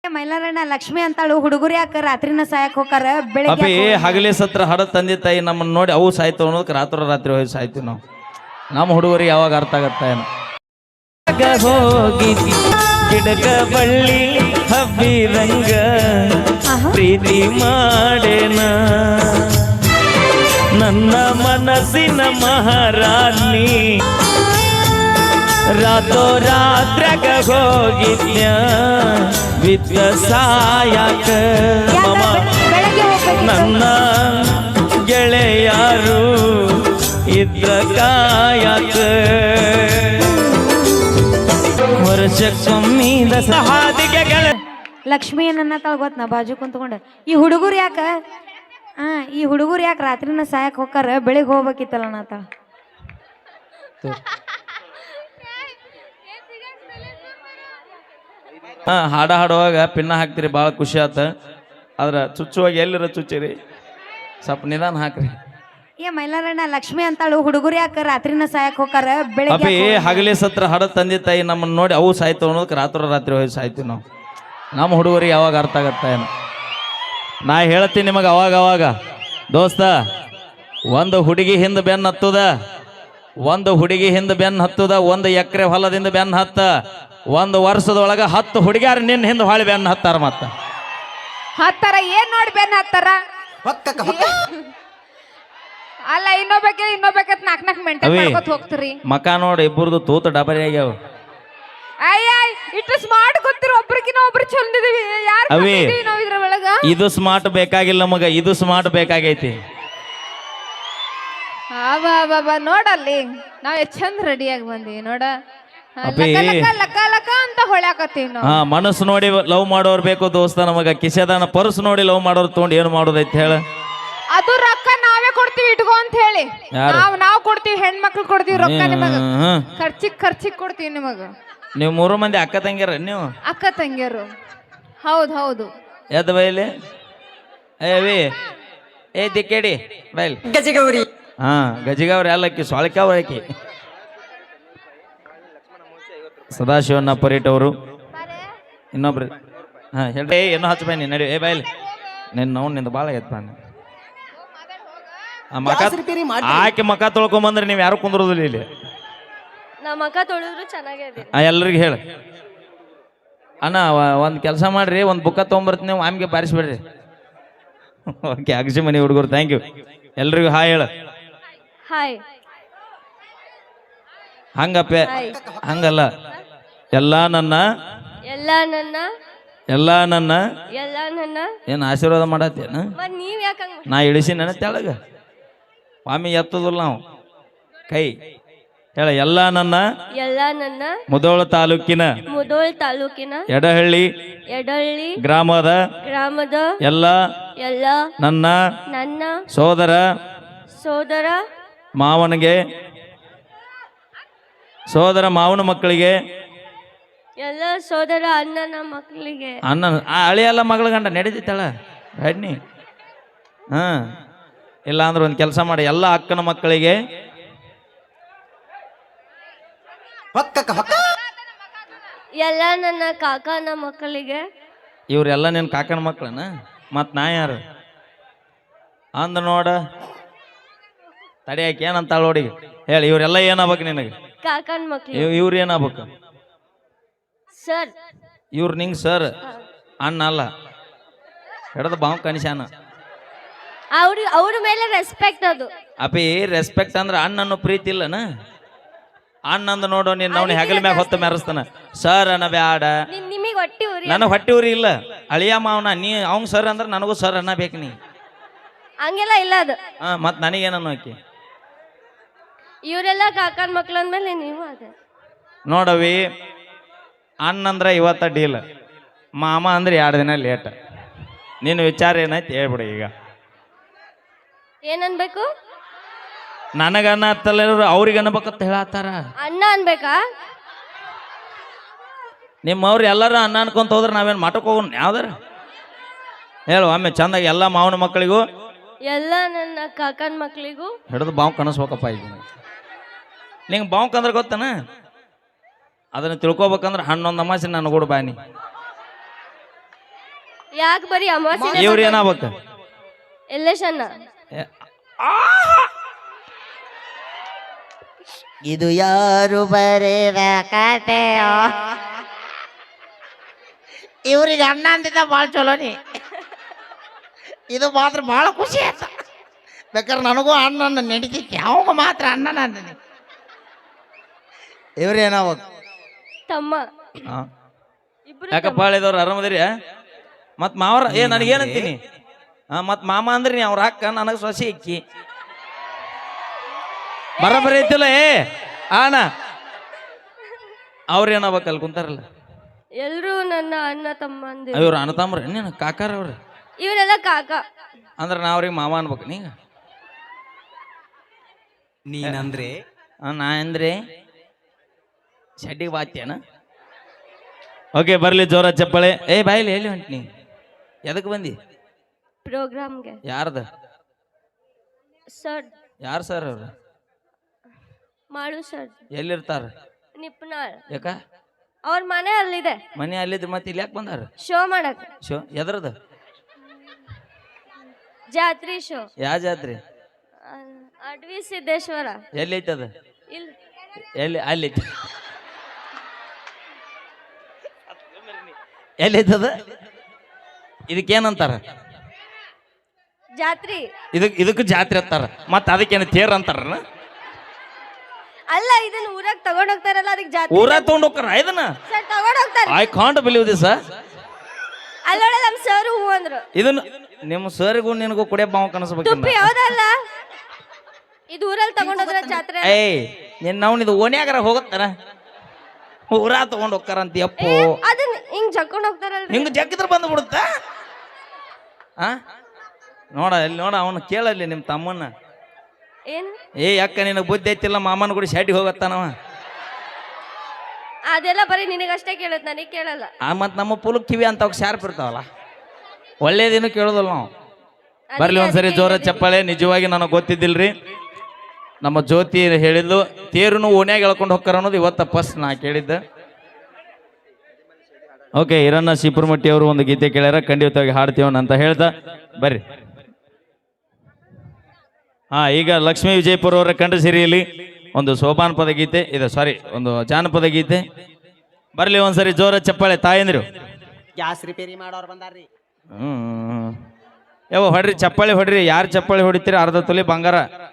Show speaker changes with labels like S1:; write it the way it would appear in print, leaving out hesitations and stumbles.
S1: ಮೈಲಾರಣ್ಣ ಲಕ್ಷ್ಮಿ ಅಂತಾಳು ಹುಡುಗರು ಯಾಕ ರಾತ್ರಿನ ಸಾಯಕ್ ಹೋಗಾರ ಬೆಳಿಗ್ಗೆ
S2: ಅಪ್ಪಿ ಹಗಲಿ ಸತ್ರ ಹಡ ತಂದೆ ತಾಯಿ ನಮ್ಮನ್ನ ನೋಡಿ ಅವು ಸಾಯ್ತು ಅನ್ನೋದಕ್ಕೆ ರಾತ್ರಿ ಹೋಗಿ ಸಾಯ್ತೀವಿ ನಾವು. ನಮ್ಮ ಹುಡುಗರಿಗೆ ಯಾವಾಗ ಅರ್ಥ ಆಗತ್ತ ಏನು ಹೋಗಿ ಗಿಡಕ ಬಳ್ಳಿ ಹಬ್ಬಿದಂಗ ಪ್ರೀತಿ ಮಾಡೇನ ನನ್ನ ಮನಸ್ಸಿನ ಮಹಾರಾಣಿ ರಾತ್ರಾಗ ಹೋಗಿದ್ಯ ವಿದ್ಯ ಸಾಯಕ ನನ್ನ ಗೆಳೆಯಾರು ಇದ್ರ ಕಾಯಕ ವರ್ಷಕ್ಕೊಮ್ಮಿದ ಸಹಾದಿಗೆ
S1: ಲಕ್ಷ್ಮಿ ನನ್ನ ಗೊತ್ತ ನಾ ಬಾಜು ಕುಂತ್ಕೊಂಡ ಈ ಹುಡುಗರು ಯಾಕ ಈ ಹುಡುಗರು ಯಾಕೆ ರಾತ್ರಿನ ಸಾಯಕ್ ಹೋಗಾರ ಬೆಳಿಗ್ಗೆ ಹೋಗ್ಬೇಕಿತ್ತಲ್ಲ ನಾತಾಳ
S2: ಹಾಡ ಹಾಡುವಾಗ ಪಿನ್ನ ಹಾಕ್ತಿರಿ ಭಾಳ ಖುಷಿ ಆತ. ಆದ್ರ ಚುಚ್ಚುವಾಗ ಎಲ್ಲಿರ ಚುಚ್ಚಿರಿ ಸ್ವಲ್ಪ ನಿಧಾನ ಹಾಕ್ರಿ.
S1: ಮೈಲಾರಣ್ಣ ಲಕ್ಷ್ಮಿ ಅಂತಾಳು ಹುಡುಗರು ಯಾಕ ರಾತ್ರಿನ ಸಾಯಕ್ ಹೋಗಾರ ಬೆಳಿಗ್ಗೆ
S2: ಅಪ್ಪಿ ಹಗಲಿ ಸತ್ರ ಹಡ ತಂದೆ ತಾಯಿ ನಮ್ಮನ್ನ ನೋಡಿ ಅವು ಸಾಯ್ತು ಅನ್ನೋದಕ್ಕೆ ರಾತ್ರಿ ಹೋಗಿ ಸಾಯ್ತೀವಿ ನಾವು. ನಮ್ಮ ಹುಡುಗರಿಗೆ ಯಾವಾಗ ಅರ್ಥ ಆಗತ್ತ ಏನು ನಾ ಹೇಳ್ತೀನಿ ನಿಮಗೆ ಅವಾಗ ದೋಸ್ತ ಒಂದು ಹುಡುಗಿ ಹಿಂದೆ ಬೆನ್ನು ಹತ್ತುದ ಒಂದು ಎಕರೆ ಹೊಲದಿಂದ ಬೆನ್ನು ಹತ್ತ ಒಂದು ವರ್ಷದೊಳಗ 10 ಹುಡುಗಿಯಾರ ನಿನ್ನ ಹಿಂದೆ ಹೊಳಿ ಬೆನ್ನು ಹತ್ತಾರ ಮತ್ತ
S3: ಹತ್ತಾರ ಏನ್ ನೋಡಿ ಬೆನ್ನು ಹತ್ತಾರ ಅಲ್ಲ ಇನ್ನೊಬ್ಬಕ್ಕೆ ನಾಕ್ ಮೆಂಟೇನ್ ಮಾಡ್ಕೊತ ಹೋಗ್ತೀರಿ
S2: ಮಕ ನೋಡಿ ಇಬ್ಬರದು ತೂತ ಡಬರಿ ಆಗ್ಯಾವ.
S3: ಇಟ್ಟು ಸ್ಮಾರ್ಟ್ ಗೊತ್ತಿರೋ ಒಬ್ರಿಗಿನ ಒಬ್ರು ಚಂದಿದೀವಿ
S2: ಅವಿ
S3: ನಾವು ಇದ್ರ ಒಳಗ
S2: ಇದು ಸ್ಮಾರ್ಟ್ ಬೇಕಾಗಿಲ್ಲ ಮಗ, ಇದು ಸ್ಮಾರ್ಟ್ ಬೇಕಾಗೈತಿ.
S3: ಬಾಬಾ ನೋಡಲ್ಲಿ ನಾವ್ ಎಷ್ಟ್ ಚಂದ ರೆಡಿಯಾಗಿ ಬಂದೀವಿ ನೋಡ ಲಕ ಅಂತ ಹೊಳ್ಯಾಕತ್ತೀವಿ ನಾವು.
S2: ಮನಸ್ಸು ನೋಡಿ ಲವ್ ಮಾಡೋರ್ ಬೇಕು ದೋಸ್ತ ನಮಗ. ಕಿಸೆದಾನ ಪರ್ಸ್ ನೋಡಿ ಲವ್ ಮಾಡೋರ್ ತಗೊಂಡು ಏನ್ ಮಾಡೋದೈತಿ ಹೇಳ.
S3: ಅದು ರೊಕ್ಕ ನಾವೇ ಕೊಡ್ತೀವಿ ಇಟ್ಕೋ ಅಂತ ಹೇಳಿ ನಾವ್ ಕೊಡ್ತೀವಿ, ಹೆಣ್ಮಕ್ಳು ಕೊಡ್ತೀವಿ ರೊಕ್ಕ ನಿಮಗ. ಖರ್ಚಿಗ್ ಕೊಡ್ತೀವಿ ನಿಮಗ.
S2: ನೀವು 3 ಮಂದಿ ಅಕ್ಕ ತಂಗಿಯರ ನೀವು?
S3: ಅಕ್ಕ ತಂಗಿಯರು. ಹೌದು
S2: ಎದ್ ಬೈಲಿ ಏ ದಿಕ್ಕೇಡಿ ಬೈಲ್
S4: ಗಜಗೌರಿ.
S2: ಗಜಿಗವ್ರಿ ಅಲ್ಲಕ್ಕಿ ಸೊಳಕಿ ಸದಾಶಿವಣ್ಣ ಪರೀಟ್ ಅವರು ಇನ್ನೊಬ್ರು ಹೇಳ್ರಿ ಏನೋ ಹಚ್ಚಬಾಯಿ ನಡಿ ಬಾಯ್ಲಿ ನಿಂದ ಭಾಳ ಆಗೈತ್ ಬಾನಿ ಆಕೆ ಮಕ ತೊಳ್ಕೊಂಬಂದ್ರೆ ನೀವು ಯಾರು ಕುಂದ್ರೋದಿಲ್ಲ ಇಲ್ಲಿ. ಎಲ್ರಿಗೂ ಹೇಳ ಅಣ್ಣ ಒಂದು ಕೆಲಸ ಮಾಡ್ರಿ, ಒಂದು ಬುಕ್ಕ ತೊಗೊಂಬರ್ತೀನಿ, ನೀವು ಆಮ್ಗೆ ಬಾರಿಸ್ಬೇಡ್ರಿ. ಓಕೆ ಅಗಸಿ ಮನಿ ಹುಡುಗರು ಥ್ಯಾಂಕ್ ಯು. ಎಲ್ರಿಗೂ ಹಾಯ್ ಹೇಳ. ಹಂಗಪ್ಪ ಹಂಗಲ್ಲ, ಎಲ್ಲ ನನ್ನ ಏನು ಆಶೀರ್ವಾದ ಮಾಡತ್ತೇನ? ನಾ ಇಳಿಸಿ ನನ್ನ ತೆಳಗ ಸ್ವಾಮಿ ಎತ್ತದಿಲ್ಲ ನಾವು ಕೈ ಹೇಳ. ಎಲ್ಲ ನನ್ನ ಮುಧೋಳ ತಾಲೂಕಿನ ಎಡಹಳ್ಳಿ ಗ್ರಾಮದ ಎಲ್ಲ ನನ್ನ ಸೋದರ ಮಾವನ ಮಕ್ಕಳಿಗೆ
S5: ಎಲ್ಲ ಸೋದರ ಅಣ್ಣನ ಮಕ್ಕಳಿಗೆ
S2: ಹಳಿ ಎಲ್ಲ ಮಗಳ ಗಂಡ ನಡೀತಿತ್ತಳ ಬನ್ನಿ. ಇಲ್ಲ ಅಂದ್ರೆ ಒಂದು ಕೆಲಸ ಮಾಡಿ, ಎಲ್ಲ ಅಕ್ಕನ ಮಕ್ಕಳಿಗೆ
S5: ಎಲ್ಲ ನನ್ನ ಕಾಕನ ಮಕ್ಕಳಿಗೆ.
S2: ಇವ್ರೆಲ್ಲ ನಿನ್ನ ಕಾಕನ ಮಕ್ಕಳನ? ಮತ್ ನಾ ಯಾರು ಅಂದ ನೋಡ ತಡಿಯಾಕೆ ಏನಂತ ನೋಡಿ ಹೇಳಿ. ಇವ್ರೆಲ್ಲ ಏನಾಗ್ಬೇಕು ನಿನಗೆ?
S5: ಕಾಕನ ಮಕ್ಕಳು.
S2: ಇವ್ರು ಏನಾಗ್ಬೇಕು?
S5: ಸರ್.
S2: ಇವ್ರು ನಿಂಗೆ ಸರ್ ಅಣ್ಣ ಅಲ್ಲ, ಹಿಡ್ದು ಬಾವು ಕನಿಶಾನ.
S5: ಅವ್ರ ಮೇಲೆ ರೆಸ್ಪೆಕ್ಟ್. ಅದು
S2: ಅಪ್ಪಿ ರೆಸ್ಪೆಕ್ಟ್ ಅಂದ್ರೆ ಅಣ್ಣನ್ನು ಪ್ರೀತಿ ಇಲ್ಲನ? ಅಣ್ಣಂದು ನೋಡು ನೀನ್ ಅವ್ನ ಹೆಗಲ ಮ್ಯಾಗ ಹೊತ್ತ ಮೆರೆಸ್ತಾನ. ಸರ್ ಅನ್ನ ಬ್ಯಾಡ, ನನಗೆ ಹೊಟ್ಟಿ ಉರಿ ಇಲ್ಲ. ಅಳಿಯ ಮಾವನ ನೀ ಅವ್ನ್ ಸರ್ ಅಂದ್ರೆ ನನಗೂ ಸರ್ ಅನ್ನ ಬೇಕು. ನೀ
S5: ಹಂಗೆಲ್ಲ ಇಲ್ಲ ಅದು.
S2: ಮತ್ ನನಗೇನನ್ನು ಆಕಿ?
S5: ಇವರೆಲ್ಲ ಕಾಕನ ಮಕ್ಳು ಅಂದ್ಮೇಲೆ ನೀವು ಅದೇ
S2: ನೋಡವಿ. ಅಣ್ಣಂದ್ರ ಇವತ್ತ ಡೀಲ್, ಮಾಮ ಅಂದ್ರೆ 2 ದಿನ ಲೇಟ್. ನಿನ್ನ ವಿಚಾರ ಏನೈತಿ ಹೇಳ್ಬಿಡು ಈಗ.
S5: ಏನನ್ಬೇಕು?
S2: ನನಗನ್ನ ಹತ್ತಲ್ಲ, ಅವ್ರಿಗೆ ಅನ್ಬೇಕಂತ ಹೇಳತ್ತಾರ.
S5: ಅಣ್ಣ ಅನ್ಬೇಕಾ?
S2: ನಿಮ್ಮವ್ರು ಎಲ್ಲಾರು ಅನ್ನ ಅನ್ಕೊಂತ ಹೋದ್ರೆ ನಾವೇನು ಮಠಕ್ಕೆ ಹೋಗೋಣ ಯಾವ್ದಾರ ಹೇಳು ಒಮ್ಮೆ ಚಂದಾಗಿ. ಎಲ್ಲ ಮಾವನ ಮಕ್ಕಳಿಗೂ
S5: ಎಲ್ಲ ನನ್ನ ಕಾಕನ ಮಕ್ಕಳಿಗೂ
S2: ಹಿಡಿದು ಬಾವು ಕನಸ್ಬೇಕಪ್ಪ. ಈಗ ನಿಂಗೆ ಬಾವುಕ್ ಅಂದ್ರೆ ಗೊತ್ತನ? ಅದನ್ನ ತಿಳ್ಕೊಬೇಕಂದ್ರೆ ಹಣ್ಣೊಂದು ಅಮಾಸೆ ನಾನು ಕೂಡ ಬಾನಿ
S5: ಯಾಕೆ ಬರೀ ಅಮಾವಾಸ್ಯೆ
S2: ಇವ್ರು ಏನಾಗ್ಬೇಕು
S5: ಎಲ್ಲೇಶನ್ನ
S4: ಇದು ಯಾರು ಬರೆದ ಕತೆಯೋ ಇವ್ರಿಗೆ ಅಣ್ಣ ಅಂತಿದ್ದ ಭಾಳ ಚಲೋನಿ ಇದು ಮಾತ್ರ ಭಾಳ ಖುಷಿ ಆಯ್ತು ಬೇಕಾದ್ರೆ ನನಗೂ ಅಣ್ಣ ನಡೀತಿತ್ತು ಯಾವಾಗ ಮಾತ್ರ ಅಣ್ಣ ಅಂತೀನಿ ಇವ್ರೇನಾವಾಗ
S5: ತಮ್ಮ ಇಬ್ರು
S2: ಯಾಕಪ್ಪ ಹೇಳಿದವ್ರು ಆರಾಮದಿರಿ ಮತ್ ಮಾವರ ನನಗೇನಂತೀನಿ ಮತ್ ಮಾಮ ಅಂದ್ರಿ ನೀ ಅವ್ರ ಅಕ್ಕ ನನಗೆ ಸೊಸಿ ಇಕ್ಕಿ ಬರಬರಿ ಐತಿಲ್ಲ ಆನ ಅವ್ರ ಏನಾಗ್ಬೇಕು ಅಲ್ಲಿ ಕುಂತಾರಲ್ಲ
S5: ಎಲ್ರು ನನ್ನ ಅಣ್ಣ ತಮ್ಮ ಅಂದಿ
S2: ಇವ್ರು ಅಣ್ಣ ತಮ್ರ ನೀನು ಕಾಕಾರ ಅವ್ರು
S5: ಇವರೆಲ್ಲ ಕಾಕ
S2: ಅಂದ್ರೆ ನಾ ಅವ್ರಿಗೆ ಮಾವ ಅನ್ಬೇಕು ನೀಗ
S6: ನೀನಂದ್ರೆ
S2: ನಾ ಅಂದ್ರೆ ಶೆಡ್ಡಿಗೆ ಬಾತ್ಯನ ಓಕೆ ಬರ್ಲಿ ಜೋರ ಚಪ್ಪಳೆ ಬಾಯಿಲಿ ಎಲ್ಲಿ ಹೊಂಟಿ ನೀ ಎದಕ್ಕೆ ಬಂದಿ
S5: ಪ್ರೋಗ್ರಾಮ್ಗೆ
S2: ಯಾರ್ದ
S5: ಸರ್
S2: ಯಾರು ಸರ್ ಅವ್ರು
S5: ಮಾಡು ಸರ್
S2: ಎಲ್ಲಿರ್ತಾರ
S5: ನಿಪ್ನಾಳ್
S2: ಯಾಕ
S5: ಅವ್ರ ಮನೆ ಅಲ್ಲಿದೆ
S2: ಮನೆ ಅಲ್ಲಿದ್ದು ಮತ್ತೆ ಇಲ್ಲಿ ಯಾಕೆ ಬಂದಾರ
S5: ಶೋ ಮಾಡಕ್
S2: ಶೋ ಎದ್ರದ
S5: ಜಾತ್ರಿ ಶೋ
S2: ಯಾವ ಜಾತ್ರೆ
S5: ಅಡ್ವಿ ಸಿದ್ದೇಶ್ವರ
S2: ಎಲ್ಲಿ ಐತದ
S5: ಇಲ್ಲಿ
S2: ಎಲ್ಲಿ ಅಲ್ಲಿ ಐತಿ ಎಲ್ಲಿ ಐತದ ಇದಕ್ಕೇನಂತಾರ
S5: ಜಾತ್ರಿ
S2: ಇದಕ್ಕೆ ಜಾತ್ರೆ ಅಂತಾರ ಮತ್ತ ಅದಕ್ಕೇನು ತೇರ್ ಅಂತಾರ
S5: ಅಲ್ಲ ಇದನ್ನ ಊರಾಗ ತಗೊಂಡ್ ಹೋಗ್ತಾರಲ್ಲ ಅದಕ್ಕೆ ಜಾತ್ರಿ
S2: ಊರ ತಗೊಂಡ್ ಹೋಗ್ತಾರ ಇದನ್ನ
S5: ಸರ್ ತಗೊಂಡ್ ಹೋಗ್ತಾರೆ
S2: ಐ ಕಾಂಟ್ ಬಿಲೀವ್ ದಿಸ್
S5: ಅಲ್ಲೋಡ ನಮ್ ಸರ್ ಹೂ ಅಂದ್ರು
S2: ಇದನ್ನ ನಿಮ್ಮ ಸರಿಗೂ ನಿನಗೂ ಕುಡಿಯಪ್ಪ ಮಾವು ಕನಸ್ಬೇಕು
S5: ತುಪ್ಪಿ ಯಾವ್ದಲ್ಲ ಇದು ಊರಲ್ಲಿ ತಗೊಂಡ್ ಹೋದ್ರ ಜಾತ್ರೆ
S2: ನಾವು ಇದು ಓಣ್ಯಾಗರ ಹೋಗತ್ತಾರ ಊರ ತಗೊಂಡ್ ಹೋಗ್ತಾರ ಅಂತ ಯಪ್ಪು
S5: ಅದನ್ನ ಹಿಂಗ್ ಜಕ್ಕೊಂಡ್ ಹೋಗ್ತಾರಲ್ರಿ
S2: ಹಿಂಗ ಜಗ್ಗಿದ್ರ ಬಂದು ಬಿಡುತ್ತ ನೋಡ ಇಲ್ಲಿ ನೋಡ ಅವನು ಕೇಳಲ್ಲಿ ನಿಮ್ಮ ತಮ್ಮನ್ನ
S5: ಏನ್
S2: ಯಾಕ ನಿನಗೆ ಬುದ್ಧಿ ಐತಿಲ್ಲ ಮಾಮನ ಕೂಡ ಶಾಟಿಗೆ ಹೋಗತ್ತಾನವ
S5: ಅದೆಲ್ಲ ಬರೀ ನಿನಗಷ್ಟೇ ಕೇಳತ್ ನನಗ್ ಕೇಳಲ್ಲ
S2: ಮತ್ ನಮ್ಮ ಪುಲಕ್ ಕಿವಿ ಅಂತ ಶಾರ್ಪ್ ಇರ್ತಾವಲ್ಲ ಒಳ್ಳೇದೇನು ಕೇಳೋದಲ್ಲ ನಾವು ಬರ್ಲಿ ಒಂದ್ಸರಿ ಜೋರ ಚಪ್ಪಾಳೆ ನಿಜವಾಗಿ ನನಗೆ ಗೊತ್ತಿದ್ದಿಲ್ರಿ ನಮ್ಮ ಜ್ಯೋತಿ ಹೇಳಿದ್ಲು ತೇರುನು ಓಣ್ಯಾಗ ಎಳ್ಕೊಂಡು ಹೋಗ್ತಾರ ಅನ್ನೋದು ಇವತ್ತ ಫಸ್ಟ್ ನಾ ಕೇಳಿದ್ದೆ ಓಕೆ ಹಿರಣ್ಣ ಶಿಪುರಮಟ್ಟಿ ಅವರು ಒಂದು ಗೀತೆ ಕೇಳ್ಯಾರ ಖಂಡಿತವಾಗಿ ಹಾಡ್ತೀವನ್ ಅಂತ ಹೇಳ್ದ ಬರ್ರಿ ಈಗ ಲಕ್ಷ್ಮೀ ವಿಜಯಪುರ ಅವರ ಕಂಡ ಸಿರಿಯಲ್ಲಿ ಒಂದು ಸೋಪಾನ ಪದ ಗೀತೆ ಇದೆ ಸಾರಿ ಒಂದು ಜಾನಪದ ಗೀತೆ ಬರ್ಲಿ ಒಂದ್ಸರಿ ಜೋರ ಚಪ್ಪಾಳೆ ತಾಯಂದಿರು
S6: ಗ್ಯಾಸ್ ರಿಪೇರಿ ಮಾಡೋರು ಬಂದಾರ್ರಿ
S2: ಯಾವ ಹೊಡ್ರಿ ಚಪ್ಪಾಳೆ ಹೊಡ್ರಿ ಯಾರು ಚಪ್ಪಾಳೆ ಹೊಡಿತೀರಿ ಅರ್ಧ ತೊಲಿ ಬಂಗಾರ